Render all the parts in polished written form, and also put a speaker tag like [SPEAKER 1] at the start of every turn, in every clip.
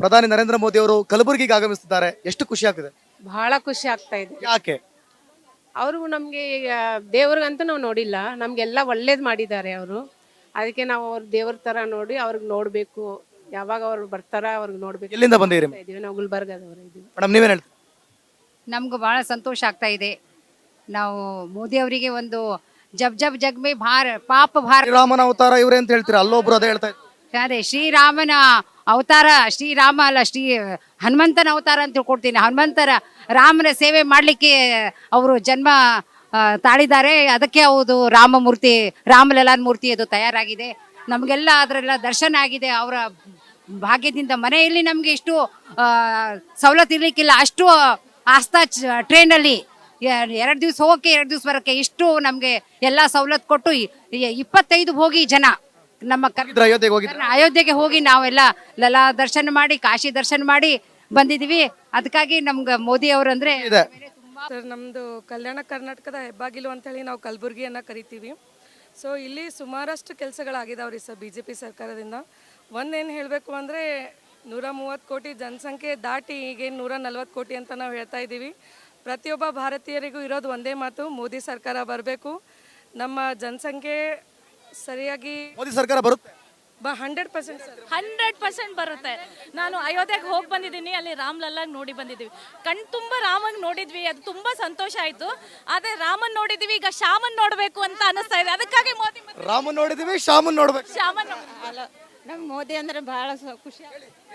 [SPEAKER 1] ಪ್ರಧಾನಿ ನರೇಂದ್ರ ಮೋದಿ ಅವರು ಕಲಬುರಗಿಗೆ ಆಗಮಿಸುತ್ತಿದ್ದಾರೆ. ಎಷ್ಟು ಖುಷಿ ಆಗ್ತಿದೆ?
[SPEAKER 2] ಬಹಳ ಖುಷಿ ಆಗ್ತಾ ಇದೆ.
[SPEAKER 1] ಯಾಕೆ?
[SPEAKER 2] ಅವ್ರಿಗೂ ನಮ್ಗೆ ಈಗ ದೇವ್ರಿಗಂತೂ ನಾವು ನೋಡಿಲ್ಲ, ನಮ್ಗೆಲ್ಲ ಒಳ್ಳೇದ್ ಮಾಡಿದ್ದಾರೆ ಅವರು. ಅದಕ್ಕೆ ನಾವು ಅವ್ರ ದೇವ್ರ ತರ ನೋಡಿ ಅವ್ರಿಗೆ ನೋಡ್ಬೇಕು. ಯಾವಾಗ ಅವ್ರು ಬರ್ತಾರ ಅವ್ರಿಗೆ ನೋಡ್ಬೇಕು.
[SPEAKER 1] ಎಲ್ಲಿಂದ ಬಂದಿದ್ದೀರಿ
[SPEAKER 2] ಇದೀವಿ ನಾವು ಗುಲ್ಬರ್ಗದವರು ಇದೀವಿ.
[SPEAKER 1] ಮೇಡಮ್, ನೀವೇನ್ ಹೇಳ್ತೀರಿ?
[SPEAKER 3] ನಮ್ಗೆ ಭಾಳ ಸಂತೋಷ ಆಗ್ತಾ ಇದೆ. ನಾವು ಮೋದಿ ಅವರಿಗೆ ಒಂದು ಜಬ್ ಜಬ್ ಜಗ್ ಮೇ ಭಾರ ಪಾಪ ಭಾರ
[SPEAKER 1] ಶ್ರೀರಾಮನ ಅವತಾರ ಇವ್ರೆ ಅಂತ ಹೇಳ್ತೀರಾ, ಅಲ್ಲೊಬ್ರು ಅದೇ ಹೇಳ್ತಾ ಇದ್ರು.
[SPEAKER 3] ಅದೇ ಶ್ರೀರಾಮನ ಅವತಾರ, ಶ್ರೀರಾಮ ಅಲ್ಲ ಹನುಮಂತನ ಅವತಾರ ಅಂತ ತಿಳ್ಕೊಡ್ತೀನಿ. ಹನುಮಂತರ ರಾಮನ ಸೇವೆ ಮಾಡಲಿಕ್ಕೆ ಅವರು ಜನ್ಮ ತಾಳಿದ್ದಾರೆ. ಅದಕ್ಕೆ ಹೌದು ರಾಮಮೂರ್ತಿ, ರಾಮಲಲ್ಲಾನ್ ಮೂರ್ತಿ ಅದು ತಯಾರಾಗಿದೆ. ನಮಗೆಲ್ಲ ಅದರೆಲ್ಲ ದರ್ಶನ ಆಗಿದೆ. ಅವರ ಭಾಗ್ಯದಿಂದ ಮನೆಯಲ್ಲಿ ನಮಗೆ ಇಷ್ಟು ಸವಲತ್ತು ಇರಲಿಕ್ಕಿಲ್ಲ. ಅಷ್ಟು ಆಸ್ಥಾ ಟ್ರೈನಲ್ಲಿ 2 ದಿವಸ ಹೋಗೋಕ್ಕೆ 2 ದಿವಸ ಬರೋಕ್ಕೆ ಇಷ್ಟು ನಮಗೆ ಎಲ್ಲ ಸವಲತ್ತು ಕೊಟ್ಟು 25 ಹೋಗಿ ಜನ ನಮ್ಮ
[SPEAKER 1] ಅಯೋಧ್ಯೆಗೆ ಹೋಗಿದ್ರು.
[SPEAKER 3] ಅಯೋಧ್ಯೆಗೆ ಹೋಗಿ ನಾವೆಲ್ಲ ಲಲಾ ದರ್ಶನ ಮಾಡಿ, ಕಾಶಿ ದರ್ಶನ ಮಾಡಿ ಬಂದಿದ್ದೀವಿ. ಅದಕ್ಕಾಗಿ ನಮ್ಗೆ ಮೋದಿ ಅವರಂದ್ರೆ
[SPEAKER 1] ಇದೆ.
[SPEAKER 4] ಸರ್, ನಮ್ಮದು ಕಲ್ಯಾಣ ಕರ್ನಾಟಕದ ಹೆಬ್ಬಾಗಿಲು ಅಂತೇಳಿ ನಾವು ಕಲಬುರಗಿಯನ್ನು ಕರಿತೀವಿ. ಸೊ ಇಲ್ಲಿ ಸುಮಾರಷ್ಟು ಕೆಲಸಗಳಾಗಿದಾವ್ರಿ ಸರ್ BJP ಸರ್ಕಾರದಿಂದ. ಒಂದೇನು ಹೇಳಬೇಕು ಅಂದರೆ 130 ಕೋಟಿ ಜನಸಂಖ್ಯೆ ದಾಟಿ ಈಗೇನು 140 ಕೋಟಿ ಅಂತ ನಾವು ಹೇಳ್ತಾ ಇದ್ದೀವಿ. ಪ್ರತಿಯೊಬ್ಬ ಭಾರತೀಯರಿಗೂ ಇರೋದು ಒಂದೇ ಮಾತು, ಮೋದಿ ಸರ್ಕಾರ ಬರಬೇಕು. ನಮ್ಮ ಜನಸಂಖ್ಯೆ ಸರಿಯಾಗಿ
[SPEAKER 1] ಮೋದಿ ಸರ್ಕಾರ ಬರುತ್ತೆ
[SPEAKER 4] 100% ಸರ್,
[SPEAKER 5] 100% ಬರುತ್ತೆ. ನಾನು ಅಯೋಧ್ಯೆಗೆ ಹೋಗಿ ಬಂದಿದ್ದೀನಿ, ಅಲ್ಲಿ ರಾಮ್ಲಲ್ಲಾಗ್ ನೋಡಿ ಬಂದಿದ್ದೀವಿ. ತುಂಬ ರಾಮನ್ ನೋಡಿದ್ವಿ, ಅದು ತುಂಬ ಸಂತೋಷ ಆಯಿತು. ಆದರೆ ರಾಮನ್ ನೋಡಿದ್ವಿ, ಈಗ ಶ್ಯಾಮನ್ ನೋಡಬೇಕು ಅಂತ ಅನಿಸ್ತಾ ಇದೆ. ಅದಕ್ಕಾಗಿ ಮೋದಿ
[SPEAKER 1] ರಾಮನ್ ನೋಡಿದೀವಿ, ಶ್ಯಾಮನ್ ನೋಡ್ಬೇಕು.
[SPEAKER 5] ಶ್ಯಾಮನ್
[SPEAKER 6] ನಮ್ಗೆ ಮೋದಿ ಅಂದ್ರೆ ಬಹಳ ಖುಷಿ.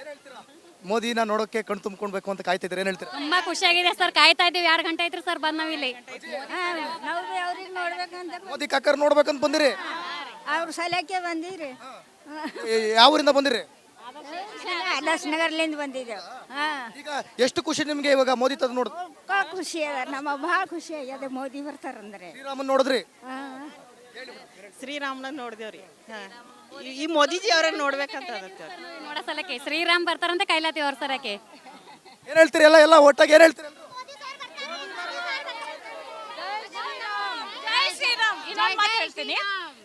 [SPEAKER 1] ಮೋದಿನ ನೋಡೋಕೆ ಕಣ್ ತುಂಬ್ಕೊಳ್ಬೇಕು ಅಂತ ಕಾಯ್ತಿದ್ರೆ ಏನ್ ಹೇಳ್ತೀರಾ?
[SPEAKER 5] ತುಂಬ ಖುಷಿಯಾಗಿದೆ ಸರ್, ಕಾಯ್ತಾ ಇದ್ದೀವಿ. 2 ಗಂಟೆ ಆಯ್ತು ಸರ್ ಬಂದು ನಾವಿಲ್ಲಿ.
[SPEAKER 6] ನಾವು ಅವ್ರಿಗೆ ನೋಡ್ಬೇಕಂತ
[SPEAKER 1] ಮೋದಿ ಕಾಕರ್ ನೋಡ್ಬೇಕಂತ ಬಂದಿರಿ?
[SPEAKER 6] ಅವ್ರ ಸಲಕ್ಕೆ ಬಂದಿರಿ.
[SPEAKER 1] ಯಾವ ಊರಿಂದ ಬಂದಿರಿ?
[SPEAKER 6] ಆದರ್ಶ್ ನಗರ್ಲಿಂದ ಬಂದಿದ್ದೇವೆ.
[SPEAKER 1] ಈಗ ಎಷ್ಟು ಖುಷಿ ನಿಮ್ಗೆ ಇವಾಗ ಮೋದಿ ತದ್ ನೋಡ್?
[SPEAKER 6] ಖುಷಿ ಅದ, ನಮ್ಮ ಬಹಳ ಖುಷಿ ಆಗ್ಯದ ಮೋದಿ ಬರ್ತಾರಂದ್ರೆ.
[SPEAKER 1] ಶ್ರೀರಾಮನ್ ನೋಡಿದ್ರಿ?
[SPEAKER 7] ಶ್ರೀರಾಮನ ನೋಡಿದೇವ್ರಿ. ಈ ಮೋದಿಜಿ ಅವ್ರನ್ನ ನೋಡ್ಬೇಕಂತ
[SPEAKER 5] ನೋಡೋ ಸಲಕ್ಕೆ ಶ್ರೀರಾಮ್ ಬರ್ತಾರಂತ ಕೈಲಾತಿ ಅವ್ರ ಸರಕ್ಕೆ.
[SPEAKER 1] ಏನ್ ಹೇಳ್ತೀರಿ? ಎಲ್ಲ ಒಟ್ಟಾಗಿ ಏನ್ ಹೇಳ್ತೀರಿ?
[SPEAKER 5] ಜೈ ಶ್ರೀರಾಮ್. ಇನ್ನೊಂದು ಮಾತು ಹೇಳ್ತೀನಿ.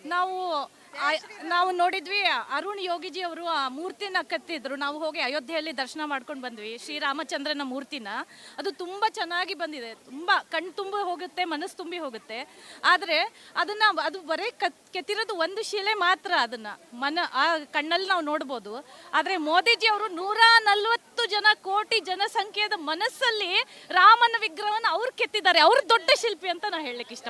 [SPEAKER 5] ನಾವು ನೋಡಿದ್ವಿ, ಅರುಣ್ ಯೋಗಿಜಿ ಅವರು ಆ ಮೂರ್ತಿನ ಕತ್ತಿದ್ರು. ನಾವು ಹೋಗಿ ಅಯೋಧ್ಯೆಯಲ್ಲಿ ದರ್ಶನ ಮಾಡ್ಕೊಂಡು ಬಂದ್ವಿ, ಶ್ರೀರಾಮಚಂದ್ರನ ಮೂರ್ತಿನ. ಅದು ತುಂಬ ಚೆನ್ನಾಗಿ ಬಂದಿದೆ, ತುಂಬ ಕಣ್ ತುಂಬಿ ಹೋಗುತ್ತೆ, ಮನಸ್ಸು ತುಂಬಿ ಹೋಗುತ್ತೆ. ಆದರೆ ಅದು ಬರೀ ಕೆತ್ತಿರೋದು ಒಂದು ಶಿಲೆ ಮಾತ್ರ. ಆ ಕಣ್ಣಲ್ಲಿ ನಾವು ನೋಡ್ಬೋದು. ಆದರೆ ಮೋದಿಜಿ ಅವರು 140 ಕೋಟಿ ಜನಸಂಖ್ಯೆಯ ಮನಸ್ಸಲ್ಲಿ ರಾಮನ ವಿಗ್ರಹವನ್ನು ಅವ್ರು ಕೆತ್ತಿದ್ದಾರೆ. ಅವ್ರು ದೊಡ್ಡ ಶಿಲ್ಪಿ ಅಂತ ನಾನು ಹೇಳಲಿಕ್ಕೆ ಇಷ್ಟ.